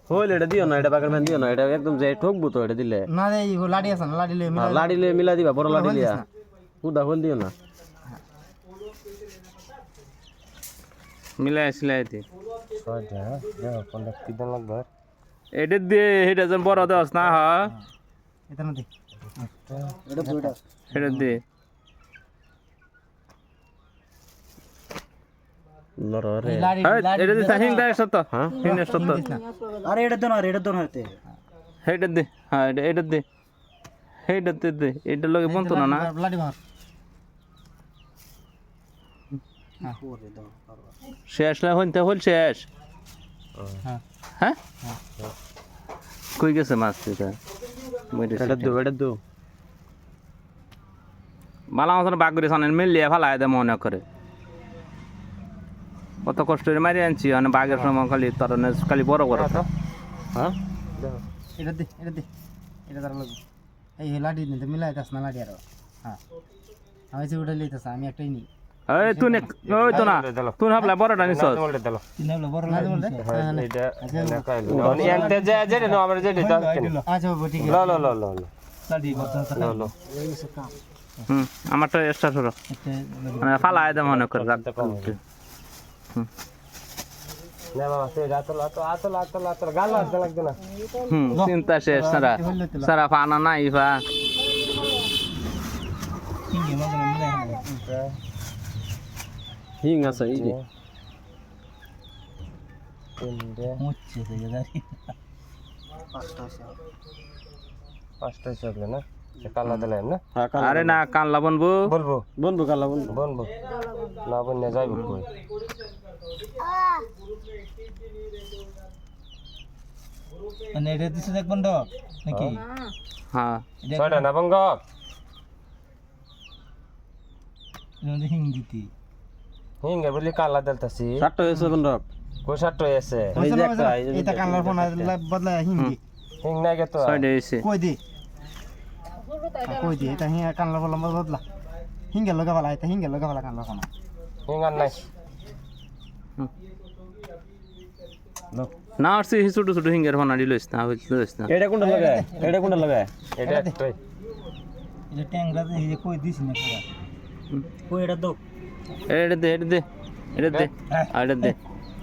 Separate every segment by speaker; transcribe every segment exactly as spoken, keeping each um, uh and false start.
Speaker 1: হইল এটা দিও না এটা বাগের ম্যান দিও না এটা একদম যে ঠকবো তো এটা দিলে
Speaker 2: না রে ই লাড়ি আছে না লাড়ি লই মিলা
Speaker 1: লাড়ি লয়ে মিলা দিবা বড় লাড়ি লিয়া উদা হল দিও না
Speaker 3: মিলাই সিলাই দি
Speaker 1: ছয়টা দেখো কোনটা কি দাম লাগবে
Speaker 3: এটা দে এটা যেন বড় দাস না হ
Speaker 2: এটা না দে এটা দুইটা
Speaker 3: এটা দে
Speaker 1: নররে
Speaker 2: লাড়ি
Speaker 3: এটা দে হিং দা সত্য
Speaker 1: হ্যাঁ
Speaker 3: হিং দা সত্য
Speaker 2: আরে এটা দন আরে এটা দন হতে
Speaker 3: এটা দে হ্যাঁ এটা এটা দে এটা দে দে এটা লগে বন্ধ না না
Speaker 2: লাড়ি মার
Speaker 3: শেষ না হইতে হল শেষ
Speaker 2: হ্যাঁ
Speaker 3: হ্যাঁ কই গেছে মাছ এটা
Speaker 1: এটা দো এটা দো
Speaker 3: বালা মাছ বাগ করে সামনে মিলিয়ে ফেলায় দে মনে করে কত কষ্ট করে মারি আনছি মানে বাঘের সময় খালি তোর খালি বড় বড়
Speaker 1: হ্যাঁ দেখো
Speaker 2: এটা দে এটা দে এটা তার লাগবে এই লাড়ি নিতে মিলাই দাস না লাড়ি আর হ্যাঁ আমি যে উড়ে লইতাছ আমি একটাই নি
Speaker 3: এই তুই নে ওই তো না তুই ভাবলা বড়টা নিছ
Speaker 2: কিনাবলে বড় লাড়ি বলতে
Speaker 1: এটা না কাইলো মানে একটা যে যে না আমরা যে দাও
Speaker 2: আচ্ছা বাবা ঠিক
Speaker 1: ল ল ল ল
Speaker 2: লাড়ি বলতে
Speaker 1: ল ল
Speaker 3: হুম আমারটা এক্সট্রা ছোট মানে ফালায় দে মনে করে রাখ
Speaker 1: না বাবা সে রাত রাত রাত রাত রাত গাল লাগতে লাগবে না
Speaker 3: হুম চিন্তা শেষ সারা সারা ফানা নাই ফা
Speaker 2: হিঙ্গে মগন মিলাই
Speaker 1: হিং আছে এই যে
Speaker 2: মুচ্ছে সে গাড়ি পাঁচটা
Speaker 1: পাঁচটা চলে না সে কালা দিলেন না হ্যাঁ
Speaker 3: আরে না কানলা বনবো
Speaker 1: বলবো বলবো কালা বলবো বলবো না বন্যা যাইব কই
Speaker 2: মানে এটা দিছে দেখবেন তো নাকি
Speaker 3: হ্যাঁ
Speaker 1: ছয়টা না বঙ্গ
Speaker 2: এটা হিং দিতি
Speaker 1: হিং এ বলি কালা দিলতাছি সাতটা হইছে বন্ধ কই সাতটা হইছে এই যে একটা
Speaker 2: এটা কালার ফোন বদলা হিঙ্গি
Speaker 1: হিং নাই গে তো
Speaker 3: ছয়টা হইছে
Speaker 2: কই দি কই দি এটা হিং কালার ফোন বদলা হিঙ্গে লগা ভালা এটা হিঙ্গে লগা ভালা কালার ফোন
Speaker 1: হিং আর নাই
Speaker 3: না আসছে ছোট ছোট হিঙ্গের ফানা দিলইস না হইলইস না
Speaker 1: এটা কোনটা লাগায় এটা কোনটা লাগায় এটা একটাই
Speaker 2: এটা ট্যাংরা এই যে কই দিছ না কই এটা দাও
Speaker 3: এটা দে এটা দে এটা দে আর এটা দে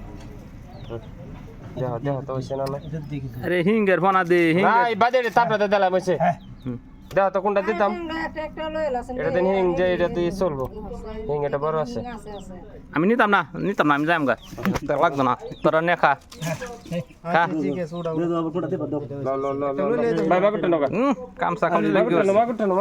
Speaker 1: দেহ দেহ তো হইছে না না
Speaker 2: এটা দেখি
Speaker 3: আরে হিঙ্গের ফানা দে হিঙ্গের
Speaker 1: ভাই বাজে তাপড়াতে দিলাম হইছে দেহ তো কোনটা দিতাম এটা দিন হিং যে এটা দিয়ে চলবো হিং এটা বড় আছে
Speaker 3: আমি নিতাম না নিতাম না আমি যাইম গা লাগতো না তোরা নে খা খা
Speaker 2: ঠিক আছে ওটা
Speaker 1: ল ল ল ল বাই বাই করতে নগা
Speaker 3: কামসা কামলি
Speaker 1: বাই করতে নগা করতে